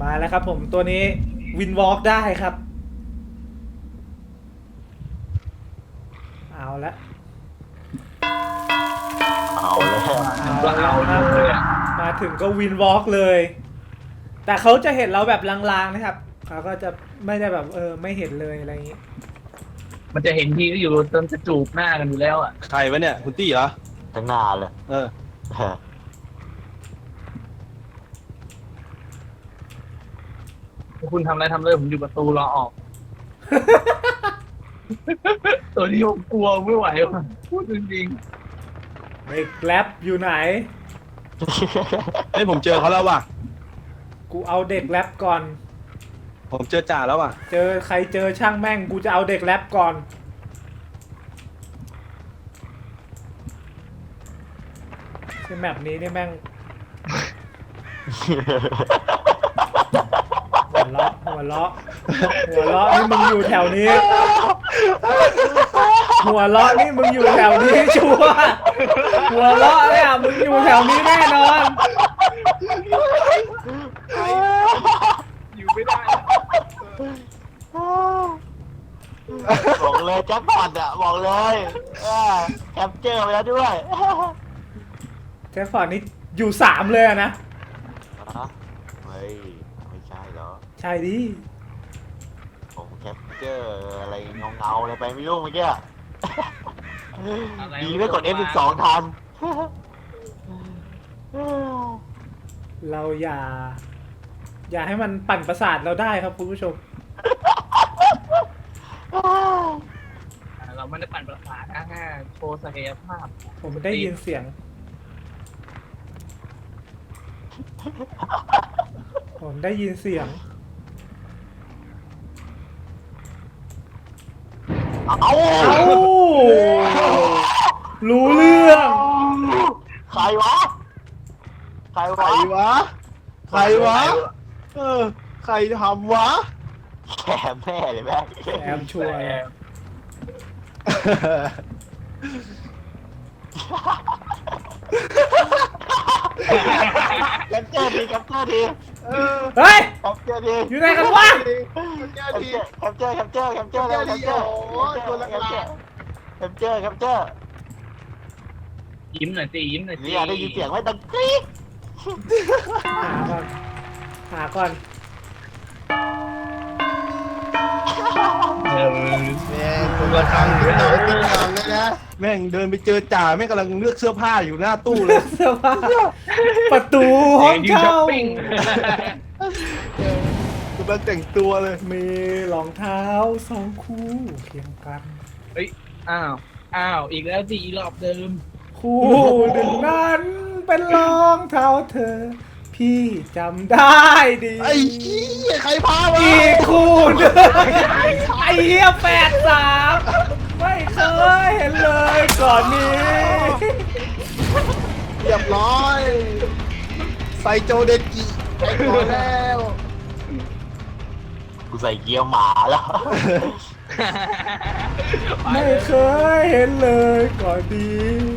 มาแล้วครับผมตัวนี้วินวอล์กได้ครับเอาละเอาเลยเอาละครับมาถึงก็วินวอล์กเลย แต่เขาจะเห็นเราแบบลางๆนะครับเขาก็จะไม่ได้แบบไม่เห็นเลยอะไรอย่างนี้มันจะเห็นทีก็อยู่จนจะจูบหน้ากันอยู่แล้วอ่ะใครวะเนี่ยคุณตี้เหรอทั้งหน้าเลยเออคุณทำอะไรทำเลยผมอยู่ประตูรอออก ตัวนี้ผมกลัวไม่ไหวว่ะพูดจริงเด็กแรปอยู่ไหนเฮ้ยผมเจอเขาแล้วว่ะกูเอาเด็กแรปก่อนผมเจอจ่าแล้วว่ะเจอใครเจอช่างแม่งกูจะเอาเด็กแรปก่อนในแมปนี้นี่แม่งหัวเราะหัวเราะหัวเราะนี่มึงอยู่แถวนี้ หัวเราะนี่มึงอยู่แถวนี้ชัวร์หัวเราะเนี่ยมึงอยู่แถวนี้แน่นอนๆอยู่ไม่ได้บอกเลยแจ็คพอตอะบอกเลยแคปเจอร์ไปแล้วด้วยแจ็คฟอร์ดนี่อยู่3เลยอะนะเฮ้ยไม่ใช่เหรอใช่ดิผมแคปเจอร์อะไรเงาอะไรไปไม่รู้เมื่อกี้ดีไม่กด F12 ทันเราอย่าให้มันปั่นประสาทเราได้ครับคุณผู้ชมเราไม่ได้ปั่นประสาทนะแค่โชว์ศักยภาพผมได้ยินเสียง ผมได้ยินเสียงเอาเอ้ารู้เรื่องใครวะ ใครใครวะวะ ใครวะ เออ ใครทำวะแกแม่เลยแม่แอมชัวร์เลยแคปเจอร์ทีแคปเจอร์ทีเฮ้ยแคปเจอร์ทีอยู่ไหนกันวะแคปเจอร์แคปเจอร์แคปเจอร์แคปเจอร์แคปเจอร์แคปเจอร์แคปเจอร์ยิ้มหน่อยสิยิ้มหน่อยสินี่ได้ยินเสียงไหมดังกรี๊ดหาก่อนเออแม่งคนละครั้งที่เราติดตามเลยนะ แม่งเดินไปเจอจ่าแม่งกำลังเลือกเสื้อผ้าอยู่หน้าตู้เลยเสื้อผ้าประตูห้องยืนช้อเช่าปปิ้งกำลังแต่งตัวเลยมีรองเท้า2 คู่เคียงกันเฮ้ยอ้าวอีกแล้วสิอีรอบเดิมคู่หนึ่งนั้นเป็นรองเท้าเธอ พี่จำได้ดีไอ้ขี้ยใครพามาอีกคู่หนึ่งไอ้เหี้ย83ไม่เคยเห็นเลยก่อนนี้เรียบร้อยไซโจเดกิไปก่อนแล้วกูใส่เกียร์หมาแล้วไม่เคยเห็นเลยก่อนนี้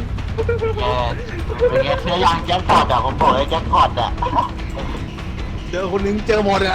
เป็นไงเชื่อยังแจ็คพอตอะผมบอกเลยแจ็คพอตอะเจอคนนึงเจอหมดอะ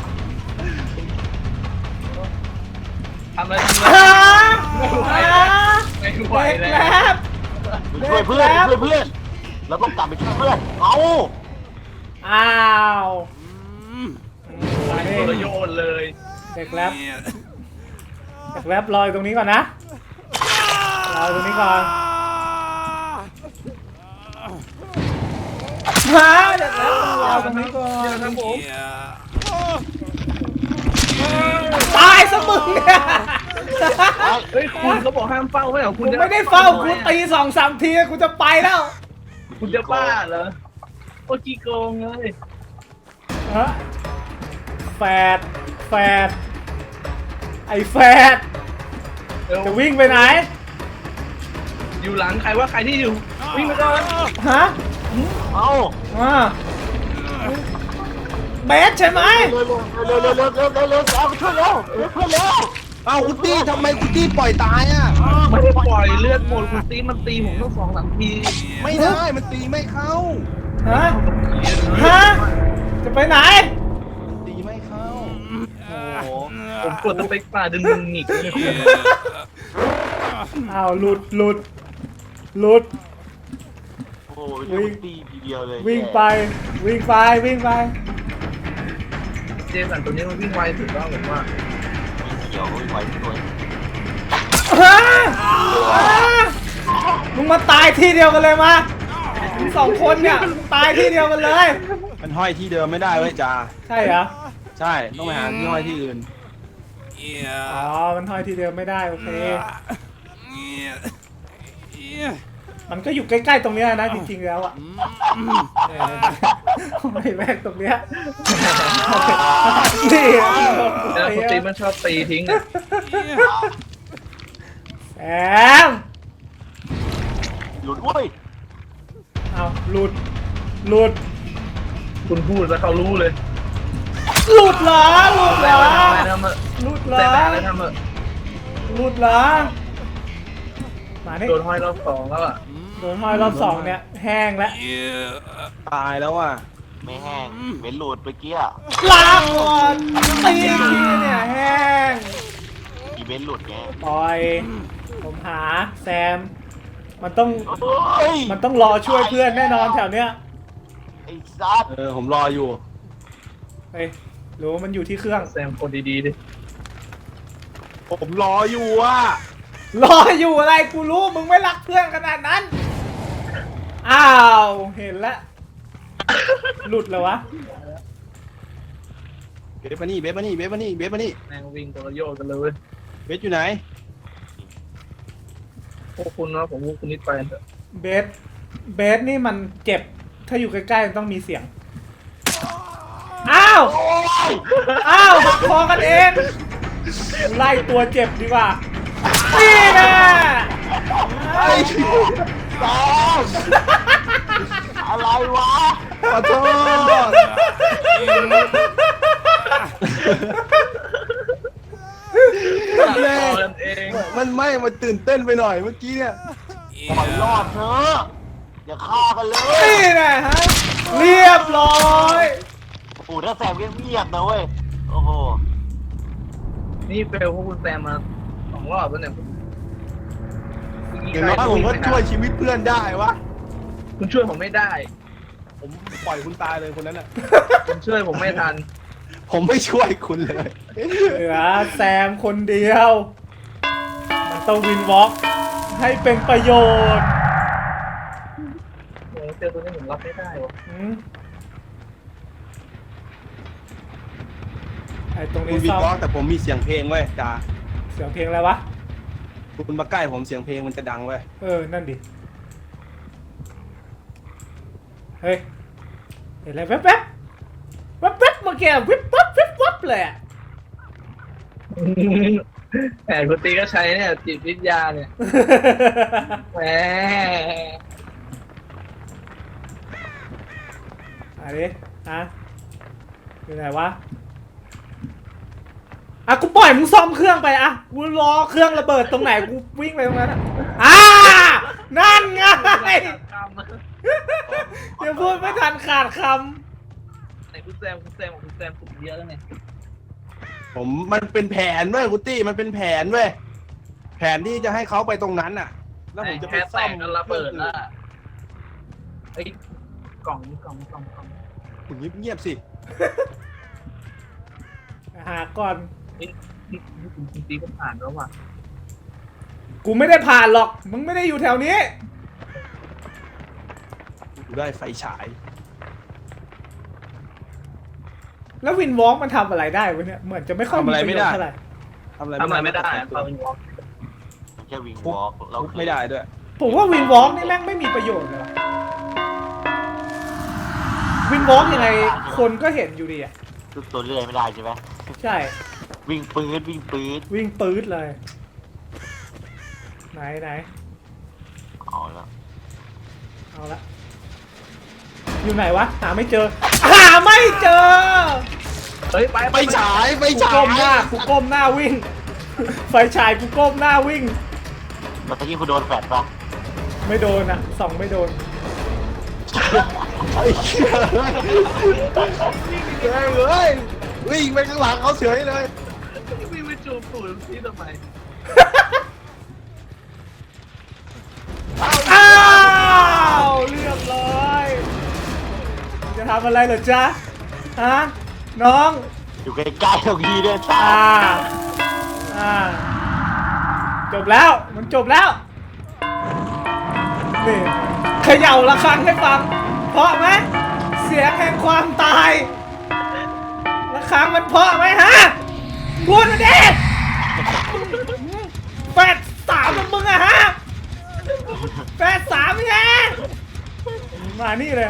ทำเลยฮะไม่ไหวเด็กแล้แลวบช่วยเพื่อนช่วยเพื่อนเราต้องกลับไปช่วยเพื่อนเอาอ้าวไปโดนโยนเลยเด็กแลบเด็กแลบรออยู่ตรงนี้ก่อนนะรออยู่ตรงนี้ก่อนมาเด็กแลบรอตรงนี้ก่อนครับผมตายซะมึงเนี่ยเฮ้ยคุณเขาบอกห้ามเฝ้าไม่เหรอคุกูณจะไม่ได้เฝ้ากูตี2-3 ทีกูจะไปแล้วคุณจะบ้าเหรอโอ้กี้โกงเลยฮะแฟดไอ้แฟดจะวิ่งไปไหนอยู่หลังใครว่าใครที่อยู่วิ่งไปก่อนฮะเอาเบสใช่ไหมเร็วเร็วเร็วเร็วเร็วเร็วเร็วเอาไปช่วยเร็วเพื่อนเร็วเอ้าคุณตี้ทำไมคุณตี้ปล่อยตายอ่ะไม่ได้ปล่อยเลือดหมดคุณตีมันตีผมต้อง2-3 ทีไม่ได้มันตีไม่เข้าฮะ ฮะ จะไปไหนผมกดสเปคป่าดึงหงิกเนี่ยอ้าวหลุดโอ้ยลูกตีทีเดียวเลยวิ่งไปเจสันตัวนี้มันวิ่งไวสุดแล้วผมว่าเขียวไว้ตัวมึงมาตายที่เดียวกันเลยมามึงสองคนเนี่ยตายที่เดียวกันเลยมันห้อยที่เดิมไม่ได้เว้ยจ่าใช่เหรอใช่ต้องไปหาที่ห้อยที่อื่นอ๋อ มันห้อยที่เดิมไม่ได้โอเค มันก็อยู่ใกล้ๆตรงเนี้ยนะจริงๆแล้วอ่ะไอ้แม่งตรงเนี้ยนี่แล้วคนตีมันชอบตีทิ้งอ่ะแอมหลุดเว้ยเอาหลุดคุณพูดแล้วเขารู้เลยหลุดเหรอแต่ว่าทำอะไรทำเถอะหลุดเหรแต่ออะไรทำเถอะหลุดเหรอมานี่โดนห้อยรอบสองแล้วอ่ะโดนห้อยรอบสองเนี่ยแห้งแล้วตายแล้วอ่ะไม่แห้งเว้นหลุดเมื่อกี้ลาก่อนตีทีเนี่ยแห้งอีเวนต์หลุดไงปล่อย ผมหาแซม มันต้องเฮ้ยมันต้องรอช่วยเพื่อนแน่นอนแถวเนี้ยไอ้ซัดผมรออยู่เฮ้ยหรือว่ามันอยู่ที่เครื่องแซมคนดีๆดิผมรออยู่อ่ะรออยู่อะไรกูรู้มึงไม่รักเพื่อนขนาดนั้น อ้าว เห็นแล้ว หลุดแล้ววะเบสมานี่แม่งวิ่งตัวโยกกันเลยเว้ยเบสอยู่ไหนพวกคุณนะผมพวกคุณนิดไปเถอะเบสนี่มันเจ็บ ถ้าอยู่ใกล้ๆมันต้องมีเสียง อ้าว อ้าวพอกันเอง ไล่ตัวเจ็บดีกว่า นี่นะซัดอะไรวะขอโทษตัดต่อกันเองมันตื่นเต้นไปหน่อยเมื่อกี้เนี่ยปล่อยรอดเถอะอย่าฆ่ากันเลยนี่นะฮะ เรียบร้อยโอ้โหถ้าแซมเงียบๆนะเว้ยโอ้โหนี่เฟลพวกคุณแซมมา2 รอบแล้วเนี่ยอย่างน้อยผมก็ช่วยชีวิตเพื่อนได้วะคุณช่วยผมไม่ได้ผมปล่อยคุณตายเลยคนนั้นอ่ะคุณช่วยผมไม่ทันผมไม่ช่วยคุณเลยเหลือแซมคนเดียว มันต้องวินวอล์กให้เป็นประโยชน์โอ้เจอตัวนี้ผมรับไม่ได้วะอืมไอ้ตรงคุนี้ณวิซ่อมเคราะห์แต่ผมมีเสียงเพลงเว้ยจ่าเสียงเพลงอะไรวะคุณมาใกล้ผมเสียงเพลงมันจะดังเว้ยนั่นดิ เฮ้ย เห็นอะไรแว๊บๆเมื่อกี้วิบวับเลยอะแหมคุณตีก็ใช้เนี่ยจิตวิทยาเนี่ยแหมอะไรฮะอยู่ไหนวะ อ่ะกูปล่อยมึงซ่อมเครื่องไปอ่ะกูรอเครื่องระเบิดตรงไหนกูวิ่งไปตรงนั้นอ่ะนั่นไงอย่าพูดไม่ทันขาดคไหนคุณแซมสุดเยอะแล้วไงมันเป็นแผนเว้ยคุณตี้มันเป็นแผนเว้ยแผนที่จะให้เขาไปตรงนั้นน่ะ แล้วผมจะไปแค่ซ่แตอมกกันระเบิดละไอ้กล่องคุณเงียบๆสิำหาก่อนนี่คุณตีก็ผ่านแล้วว่ะกูไม่ได้ผ่านหรอกมึงไม่ได้อยู่แถวนี้กูได้ไฟฉายแล้ววินวอล์กมันทำอะไรได้วะเนี่ยเหมือนจะไม่ค่อยมีประโยชน์เท่าไหร่ทำอะไรทำอะไรไม่ได้เขาเป็นวอล์กแค่วิ่งวอล์กเราทุบไม่ได้ด้วยผมว่าวินวอล์กนี่แม่งไม่มีประโยชน์เลยว่ะวินวอล์กยังไงคนก็เห็นอยู่ดีอ่ะทุบตัวเรื่อยไม่ได้ใช่ไหมใช่วิ่งปืดวิ่งปื๊ดเลย ไหนเอาละเอาละอยู่ไหนวะหาไม่เจอไม่เจอเฮ้ยไปไฟฉายกูก้มหน้าวิ่ง ไฟฉายกูก้มหน้าวิ่งเมื่อกี้คุณโดนแฟดปะไม่โดนอ่ะส่องไม่โดนไอ้เหี้ยเฮ้ยวิ่งไปข้างหลังเขาเฉยเลยวิ่งตูดพี่ทำไมอ้าวเรียบร้อยจะทำอะไรเหรอจ๊ะฮะน้องอยู่ใกล้ๆตรงนี้ด้วยซ้อ่าจบแล้วมันจบแล้วนี่เขย่าระฆังให้ฟังเพราะไหมเสียงแห่งความตายระฆังมันเพราะไหมฮะพูดมาดิแปดสามของมึงอะฮะแปดสามไงมานี่เลย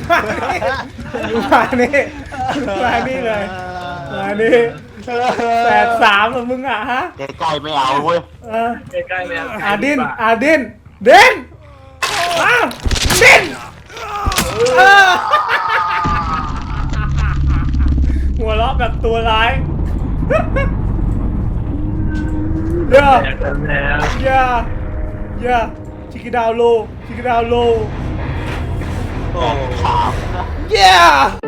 มานี่มานี่เลยมานี่แปดสามของมึงอะฮะำใกล้ๆไม่เอาเว้ยใกล้ๆเลยดินดินอ้าวดินหัวเราะแบบตัวร้ายเย่าอยากทำแล้วย่าชิคกี้ดาวโลถาม yeah